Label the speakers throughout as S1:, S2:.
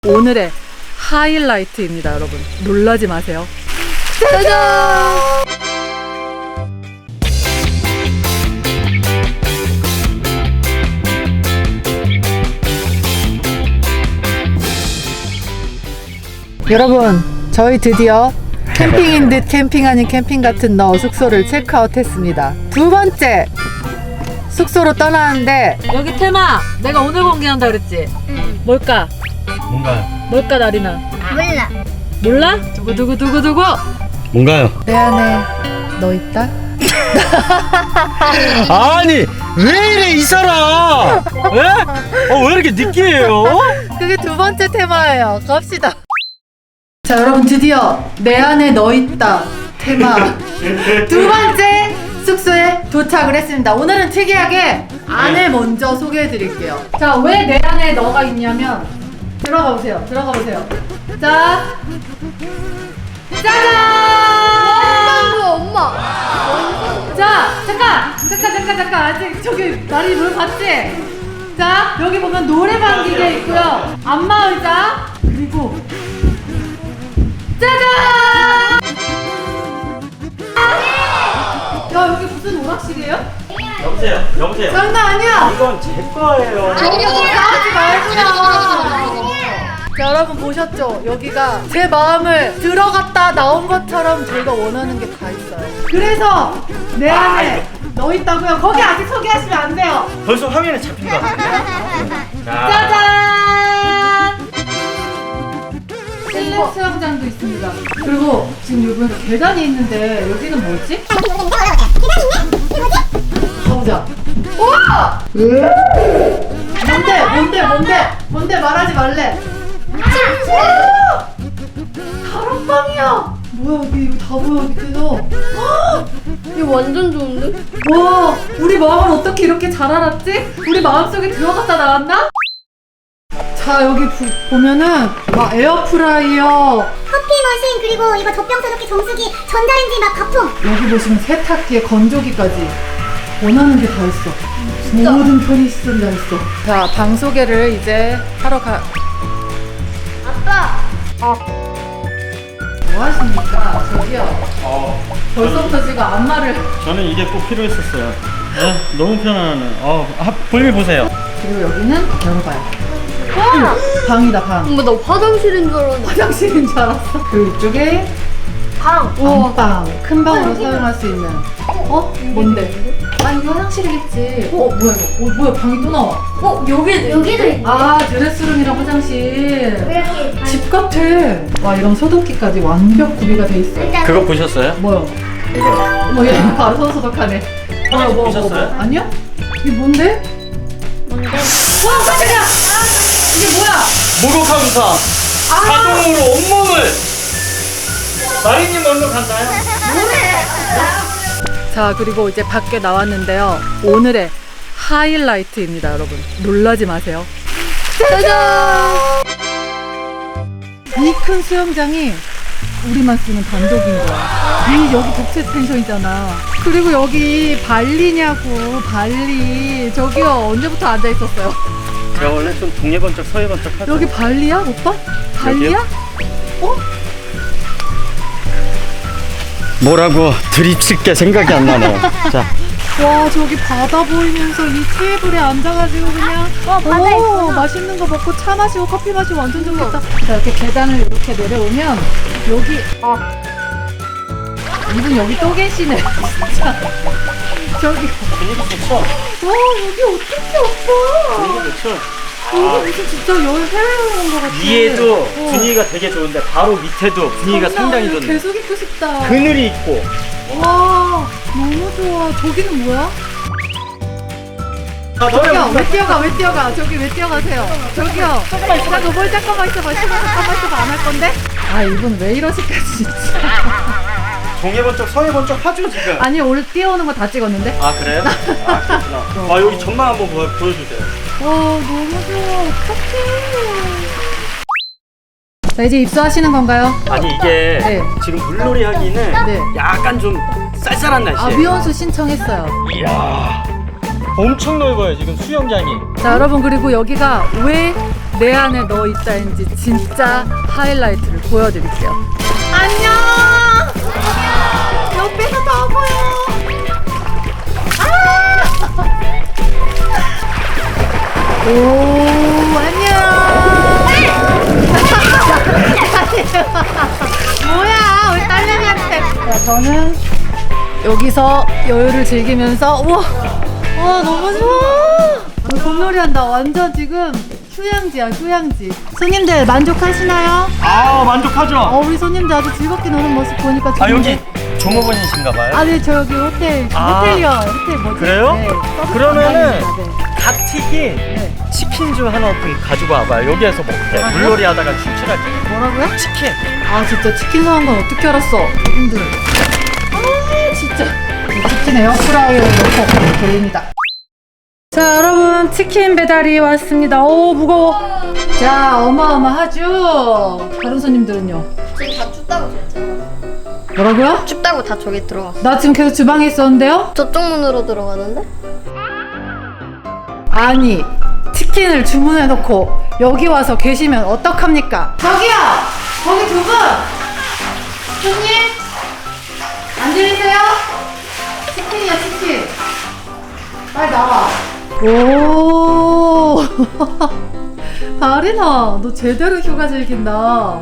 S1: 오늘의 하이라이트입니다, 여러분. 놀라지 마세요. 짜잔! 여러분, 저희 드디어 캠핑인 듯 캠핑 아닌 캠핑 같은 너 숙소를 체크아웃 했습니다. 두 번째 숙소로 떠나는데, 여기 테마 내가 오늘 공개한다 그랬지?
S2: 응.
S1: 뭘까? 뭘까 나리나?
S2: 몰라.
S1: 몰라? 두구두구두구두구.
S3: 뭔가요?
S1: 내 안에 너 있다?
S3: 아니 왜 이래 이 사람? 왜? 왜 이렇게 느끼해요?
S1: 그게 두 번째 테마예요. 갑시다. 자, 여러분, 드디어 내 안에 너 있다 테마 두 번째 숙소에 도착을 했습니다. 오늘은 특이하게 안을 먼저 소개해 드릴게요. 자, 왜 내 안에 너가 있냐면, 들어가 보세요. 들어가 보세요. 자, 짜잔!
S2: 엄마.
S1: 자, 잠깐. 아직 저기 나리 뭘 봤지? 자, 여기 보면 노래방 기계 있고요. 안마 의자, 그리고 짜잔! 야, 여기 무슨 오락실이에요?
S3: 여보세요.
S1: 장난 아니야!
S3: 이건 제 거예요.
S1: 나오지 말고. 자, 여러분 보셨죠? 여기가 제 마음을 들어갔다 나온 것처럼 저희가 원하는 게 다 있어요. 그래서 내 안에 너 있다고요? 거기 아직 소개하시면 안 돼요.
S3: 벌써 화면에 잡힌 거 같은데?
S1: 짜잔! 실내 수영장도 있습니다. 그리고 지금 여기 계단이 있는데 여기는 뭐지? 가보자. 우와! 뭔데 말하지 말래. 다락방이야. 뭐야, 여기 이거 다 보여 밑에서.
S2: 이거 완전 좋은데?
S1: 와, 우리 마음을 어떻게 이렇게 잘 알았지? 우리 마음속에 들어갔다 나왔나? 자, 여기 보면은 막 에어프라이어,
S4: 커피 머신, 그리고 이거 젖병 소독기, 정수기, 전자레인지 막 가품.
S1: 여기 보시면 세탁기에 건조기까지 원하는 게 다 있어. 모든 편의시설이 다 있어. 자, 방 소개를 이제 하러 가.
S2: 아빠.
S1: 뭐 하십니까? 저기요. 벌써부터 지금 안마를.
S3: 저는 이게 꼭 필요했었어요. 네? 너무 편안하네. 볼일 보세요.
S1: 그리고 여기는 열어봐요. 방이다, 방.
S2: 엄마 나 화장실인 줄 알았는데.
S1: 화장실인 줄 알았어. 그리고 이쪽에
S2: 방.
S1: 안방, 큰 방으로 사용할 수 있는. 뭔데? 아, 이거 화장실이겠지. 뭐야 이거? 뭐야, 방이 또 나와.
S4: 여기도 있네.
S1: 아, 드레스룸이랑 화장실.
S4: 왜 이렇게
S1: 집 같아. 와, 이런 소독기까지 완벽 구비가 돼 있어요.
S3: 그거 보셨어요?
S1: 뭐요?
S3: 이거.
S1: 얘 바로 손 소독하네. 뭐.
S3: 보셨어요?
S1: 아니요? 이게 뭔데?
S2: 뭔데?
S1: 와, 깜짝이야! 이게 뭐야?
S3: 목욕하면서 자동으로 온몸을. 마리님 얼른 갔나요?
S1: 자, 그리고 이제 밖에 나왔는데요. 오늘의 하이라이트입니다, 여러분. 놀라지 마세요. 짜잔! 이 큰 수영장이 우리만 쓰는 단독인 거야. 여기 독채 펜션이잖아. 그리고 여기 발리냐고, 발리. 저기요, 언제부터 앉아 있었어요?
S3: 제가 원래 좀 동해번쩍 서해번쩍 하죠.
S1: 여기 발리야, 오빠? 발리야?
S3: 뭐라고 드리칠 게 생각이 안 나네요. 자,
S1: 와, 저기 바다 보이면서 이 테이블에 앉아가지고 그냥
S4: 바다 있구나.
S1: 맛있는 거 먹고 차 마시고 커피 마시고 완전 좋겠다. 자, 이렇게 계단을 이렇게 내려오면 여기 이분 여기 또 계시네. 진짜. 저기
S3: 분위기 좋죠?
S1: 와, 여기 어떡해 오빠.
S3: 분위기 좋죠?
S1: 여기 무슨 진짜 해외여행 온 것 같아.
S3: 위에도 분위기가 되게 좋은데 바로 밑에도 분위기가 상당히 좋네.
S1: 계속 있고 싶다.
S3: 그늘이 있고.
S1: 와, 너무 좋아. 저기는 뭐야? 저기요, 왜 뛰어가? 저기 왜 뛰어가세요? 저기요. 잠깐만 있어봐. 잠깐만 있어봐. 안 할 건데? 아, 이분 왜 이러실까, 진짜.
S3: 동해번쩍 서해번쩍 하죠 지금.
S1: 아니, 오늘 뛰어오는 거 다 찍었는데?
S3: 아 그래요? 아 그렇구나. 여기 전망 한번 보여주세요.
S1: 와, 너무 좋아. 어떡해. 자, 이제 입수하시는 건가요?
S3: 아니 이게
S1: 네.
S3: 지금 물놀이 하기는
S1: 네.
S3: 약간 좀 쌀쌀한
S1: 아,
S3: 날씨에.
S1: 미원수 신청했어요.
S3: 이야, 엄청 넓어요 지금 수영장이.
S1: 자, 여러분, 그리고 여기가 왜 내 안에 너 있다인지 진짜 하이라이트를 보여드릴게요. 안녕. 옆에서 다 보여. 오, 안녕. 뭐야, 우리 딸내미한테. 자, 저는 여기서 여유를 즐기면서, 우와, 와, 너무 좋아. 공놀이 한다. 완전 지금 휴양지야, 휴양지. 손님들 만족하시나요?
S3: 아, 만족하죠?
S1: 우리 손님들 아주 즐겁게 노는 모습 보니까
S3: 아,
S1: 좋은데.
S3: 여기 종업원이신가봐요?
S1: 아, 네, 저 여기 호텔, 호텔이요. 호텔 뭐지?
S3: 그래요?
S1: 네, 서비스
S3: 그러면은
S1: 담당입니다.
S3: 닭 튀김
S1: 네.
S3: 치킨주 하나 가지고 와봐요. 여기에서 먹게. 물놀이 하다가 출출할 때.
S1: 뭐라고요?
S3: 치킨.
S1: 아, 진짜 치킨 사온 건 어떻게 알았어? 힘들어. 아, 진짜. 치킨 에어프라이어에 넣고 돌립니다. 자, 여러분, 치킨 배달이 왔습니다. 오, 무거워. 자, 어마어마하죠? 다른 손님들은요?
S2: 지금 다 춥다고 그랬잖아.
S1: 뭐라고요?
S2: 춥다고 다 저기 들어갔어.
S1: 나 지금 계속 주방에 있었는데요?
S2: 저쪽 문으로 들어가는데?
S1: 아니, 치킨을 주문해놓고 여기 와서 계시면 어떡합니까? 저기요! 거기 두 분! 손님? 안 들리세요? 치킨이야, 치킨. 빨리 나와. 오! 다리나, 너 제대로 휴가 즐긴다.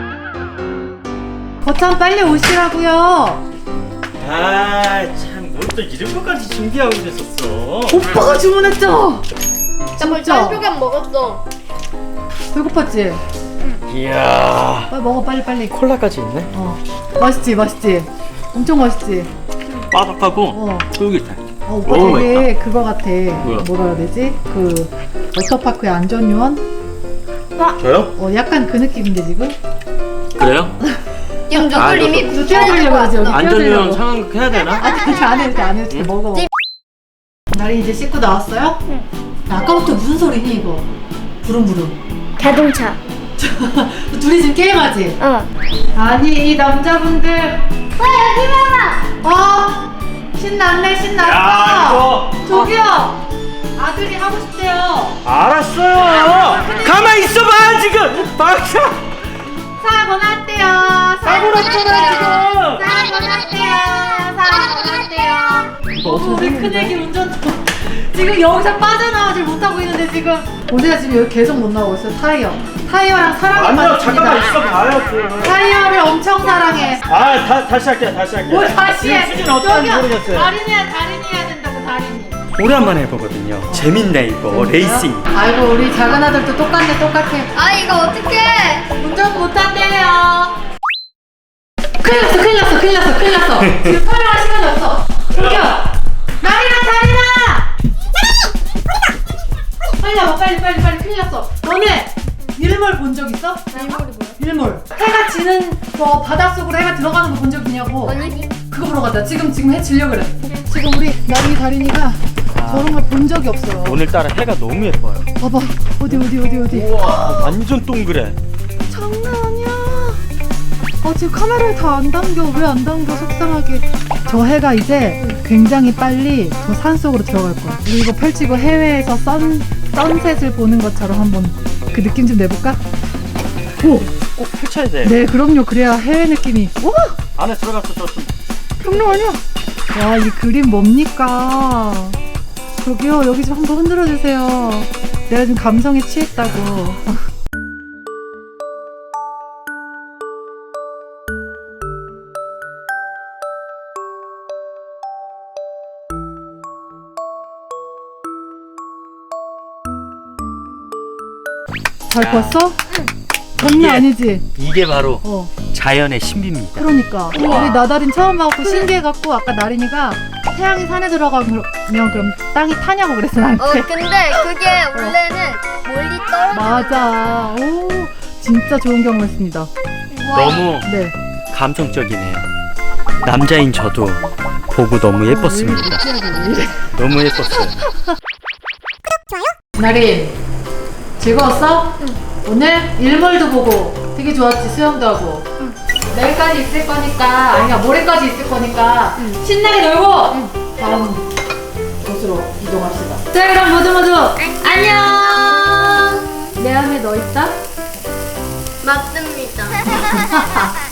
S1: 거참 빨리 오시라고요.
S3: 아, 참, 뭘 또 이런 것까지 준비하고 있었어.
S1: 오빠가 주문했잖아. 진짜
S2: 안 먹었어.
S1: 배고팠지?
S3: 이야.
S1: 빨리 먹어, 빨리 빨리.
S3: 콜라까지 있네.
S1: 맛있지, 맛있지. 엄청 맛있지.
S3: 바삭하고 쫄깃해.
S1: 오빠
S3: 너무
S1: 되게 그거 같아.
S3: 뭐야?
S1: 뭐라 해야 되지? 그 워터파크의 안전요원?
S3: 저요?
S1: 약간 그 느낌인데 지금?
S3: 그래요?
S2: 지금
S3: 아,
S2: 누굴 이미
S1: 이거 띄워드리려고 그러지, 여기
S3: 안전요원
S1: 띄워드리려고.
S3: 상황극 해야 되나?
S1: 아니, 안 해도 돼, 안 해도 돼. 먹어. 나리 이제 씻고 나왔어요? 응. 아까부터 무슨 소리니 이거? 부릉부릉.
S2: 자동차.
S1: 둘이 지금 게임하지?
S2: 어.
S1: 아니, 이 남자분들.
S2: 여기 봐봐.
S1: 신났네, 신났어.
S3: 야, 이거.
S1: 저기요. 아들이 하고 싶대요.
S3: 알았어요. 가만히 있어봐 지금. 박사.
S1: 사고 났대요.
S3: 사고 났잖아 지금.
S1: 사고 났대요. 사고 났대요.
S3: 이거 어떻게
S1: 우리
S3: 생겼는데?
S1: 큰애기 운전 지금 여기서 빠져나오질 못하고 있는데 지금 오세가 지금 여기 계속 못 나오고 있어. 타이어랑 사랑에
S3: 아니요, 잠깐만
S1: 빠졌습니다.
S3: 있어봐요.
S1: 타이어를 엄청 사랑해.
S3: 다시 할게요.
S1: 뭘 다시 해?
S3: 수준 어떤지
S1: 저기요,
S3: 모르겠어요.
S1: 다린이 해야 된다고 다린이.
S3: 오랜만에 해보거든요. 재밌네 이거 레이싱.
S1: 아이고 우리 작은 아들도 똑같네 똑같아.
S2: 아 이거 어떡해.
S1: 운전 못한대요. 큰일 났어. 지금 촬영할 시간이 없어. 저기요. 나리나. 빨리 와봐 빨리 큰일 났어. 너네 일몰 본 적 있어?
S2: 일몰이 뭐야?
S1: 일몰. 해가 지는 거 바닷속으로 해가 들어가는 거 본 적 있냐고.
S2: 아니.
S1: 그거 보러 가자. 지금 해 지려 그래. 지금 우리 나리 다린이가 저런 걸 본 적이 없어요.
S3: 오늘따라 해가 너무 예뻐요.
S1: 봐봐. 어디.
S3: 우와, 완전 동그래.
S1: 장난 아니야. 지금 카메라에 다 안 담겨. 왜 안 담겨? 속상하게. 저 해가 이제 굉장히 빨리 저 산속으로 들어갈 거야. 우리 이거 펼치고 해외에서 선셋을 보는 것처럼 한번 그 느낌 좀 내볼까? 오!
S3: 꼭 펼쳐야 돼.
S1: 네, 그럼요. 그래야 해외 느낌이. 오!
S3: 안에 들어갔어 저.
S1: 장난 아니야. 와, 이 그림 뭡니까? 저기요, 여기 좀 한번 흔들어 주세요. 내가 지금 감성에 취했다고. 잘 봤어? 장난 아니지?
S3: 이게 바로
S1: 어.
S3: 자연의 신비입니다.
S1: 그러니까 우리 나다린 처음 와갖고 신기해갖고 아까 나린이가 태양이 산에 들어가면 그럼 땅이 타냐고 그랬어 나한테.
S2: 근데 그게 원래는 멀리 떨어져.
S1: 맞아. 오, 진짜 좋은 경험했습니다.
S3: 너무
S1: 네.
S3: 감성적이네요. 남자인 저도 보고 너무 예뻤습니다. 너무 예뻤어요.
S1: 나린 즐거웠어? 응. 오늘 일몰도 보고 되게 좋았지. 수영도 하고. 응. 내일까지 있을 거니까 아니야 모레까지 있을 거니까 신나게 놀고 다음 곳으로 이동합시다. 자 그럼 모두 안녕. 내 안에 너 있다?
S2: 맞습니다.